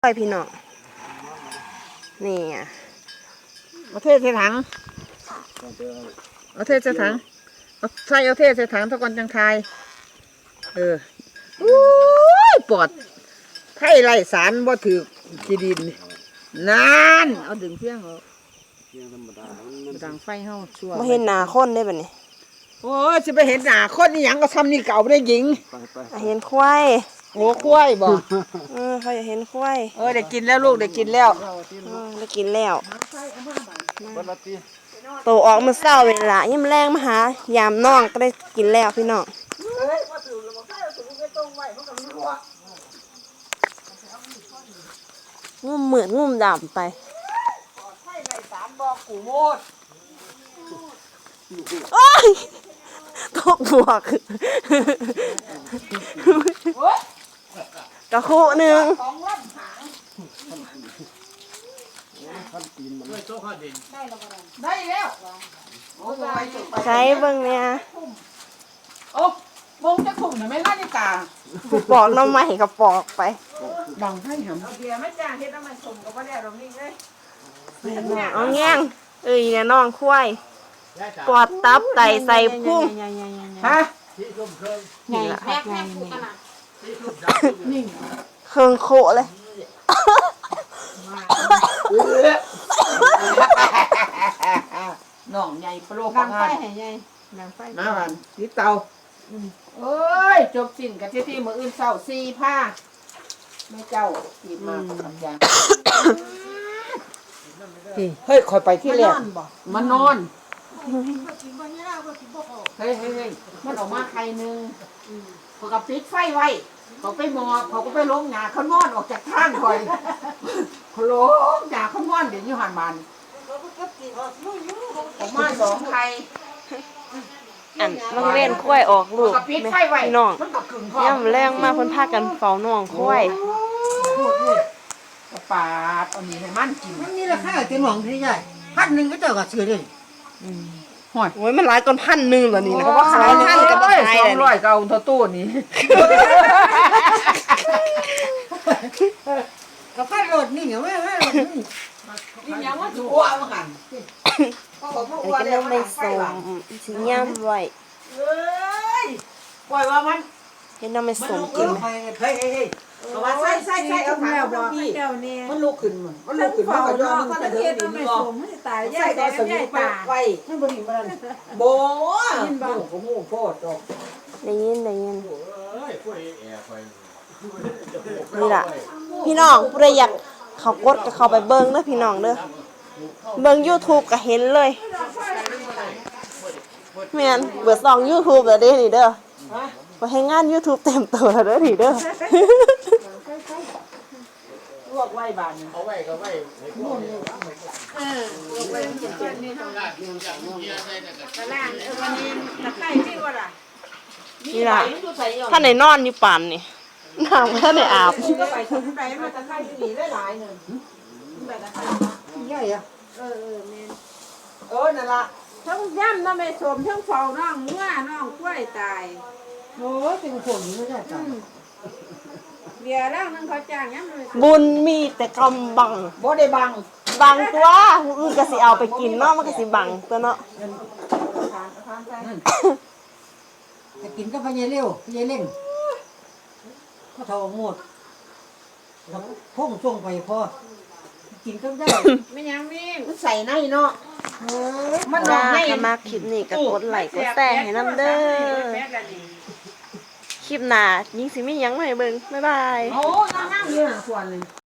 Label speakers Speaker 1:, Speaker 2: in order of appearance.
Speaker 1: ไปพี่น้องนี่
Speaker 2: เอาเทใส่ถังเอาเทใส่ถังเอาใส่เอาเทใส่ถังทุกคนจังทายอู้ยปอดไทยไรสารบ่ถือกีดินนั่นเอาดึงเพียงเอาดังไฟเฮาชั่ว
Speaker 1: มาเห็นหน้าคนได้แบบนี้
Speaker 2: โอ้ยจะไปเห็นหน้าคนนี่หยังก็ทำนี่เก่าไม่ได้หญิง
Speaker 1: เห็นควาย
Speaker 2: โอ้ควายบ่
Speaker 1: เขาอยากเห็นควาย
Speaker 2: ได้กินแล้วลูกได้กินแล้ว
Speaker 1: ได้กินแล้วโตออกมาเศร้าเวลายิ่มแรงมาหายามน้องก็ได้กินแล้วพี่น้องงุ่มเหมือนงุ่มดำไปโอ้ยตกบวกกระคุหนึ่ง
Speaker 2: ได้แล้ว
Speaker 1: ใช้เบิ่งเนี่ย
Speaker 2: โอ้มงจะถุงหรือไม่นาฬิกา
Speaker 1: ปอกน้ำใหม่กับปอกไป
Speaker 2: ดังให้หำเอาเบียร์ไม่จ้างเฮ็ดน้ำมันสมกับว่าได้ดอกนี้เลย
Speaker 1: เอาแง่งเนี่ยน้องควายปอดตับไตใส่พุ่ง
Speaker 2: ฮะ
Speaker 1: นี่แหละเครื่องโคเลย
Speaker 2: น้องใหญ่ปลอกไฟใหญ่มาวันที่เตาเอ้ยจบสิ้นกันที่มืออื่นเศร้า4 ผ้าแม่เจ้าหยิบมาอย่างเฮ้ยคอยไปที่แรกมานอนเฮ้ยมันออกมาใครนึงเขาก็ปิดไฟไว้เขาไปหมอบเขาก็ไปล้มหงาเขานอนออกจากทางคอยเขาล้มหงาเขานอนเดี๋ยวนี้หันมันออกมา2 ใคร
Speaker 1: มันเล่นควายออกลูกพี่น้องย่ำแรงมากเพิ่นพากันเฝ้าน้องควาย
Speaker 2: ปาดเอานี่ให้มันกิน
Speaker 3: มันนี่ราคาเป็นหวังที่ใหญ่1,000ก็เจ้าก็ซื้อได้
Speaker 1: โอ้ยมันหลายก้อน1,000เหรอนี่นะเพราะว่าขาย1,000กับขาย
Speaker 2: 200ก็เอาเท่าตู้นี้
Speaker 3: ก็พัดรถนี่เหรอแม่
Speaker 2: นี่ยังว่าจะอ้วนมากัน
Speaker 1: อันนี้ก็เริ่มไม่สมสีย่ำไว้
Speaker 2: ปล่อยว่ามัน
Speaker 1: เห็นน้ำไม่สมกินไหม
Speaker 3: เฮ้ย
Speaker 2: เอามาใส่เอาแมวบอกพี่มันลุกขึ้นมันลุกขึ้นมันก็ย้อนมันจะเดินดีนี่
Speaker 3: ตาย
Speaker 2: ใส่ตอนสมุนไฟมันบริมันโบ้โหโคตร
Speaker 1: ได้ยินนี่ล่ะพี่น้องผู้ใดอยากเขากดก็เข้าไปเบิ้งเด้อพี่น้องเด้อเบิ้ง YouTube ก็เห็นเลยแม่นเบิด2 YouTube แล้วเด้นี่เด้อบ่ให้งาน YouTube เต็มตัวแล้วเด้อนี่เด้อ
Speaker 2: ลวกไว้บาน
Speaker 4: เอาไว้ก็ไว้
Speaker 2: ลวกไว้มันจะนี่ทำกระล่างวันนี้ตะไคร้ที่ว่าล่ะ
Speaker 1: นี่ล่ะถ้าไหนนอนอยู่ปานนี่น้ำถ้าไหนอาบ
Speaker 2: ก็ไปทำไรมาตะไคร้ที่นี่ได้หลายนึงแบบตะไคร้
Speaker 3: ใหญ่อะ
Speaker 2: แม่นั่นล่ะ
Speaker 5: ทั้งย่ำน้ำไม่สมทั้งเฝ้าน้องเมื่อน้องกล้วยตาย
Speaker 3: โอ้ยเป็นคนไม่ได้ตาย
Speaker 5: เบียร์ร่างนึงเขาจ้างย่ำ
Speaker 1: บุญมีแต่กำบัง
Speaker 2: บ่ได้บัง
Speaker 1: ตัวอื่นก็สิเอาไปกินเนาะมันก็สิบังตัวเนาะ
Speaker 3: จะกินก็พยายเร็วพยายเร่งเขาทอหมดพุ่งช่วงไปพอกินก็ได้
Speaker 5: ไม่ยังวิ่ง
Speaker 2: ใส่ในเนาะ
Speaker 1: มันนอนในมาคลิปนี้ก็กดไลค์กดแชร์ให้น้ำเด้อคลิปหน้ายิ่งสิมีหยังมาให้เบิ่งบ๊ายบาย
Speaker 2: โอ้นั่งอยู่น่ะส่วนนึง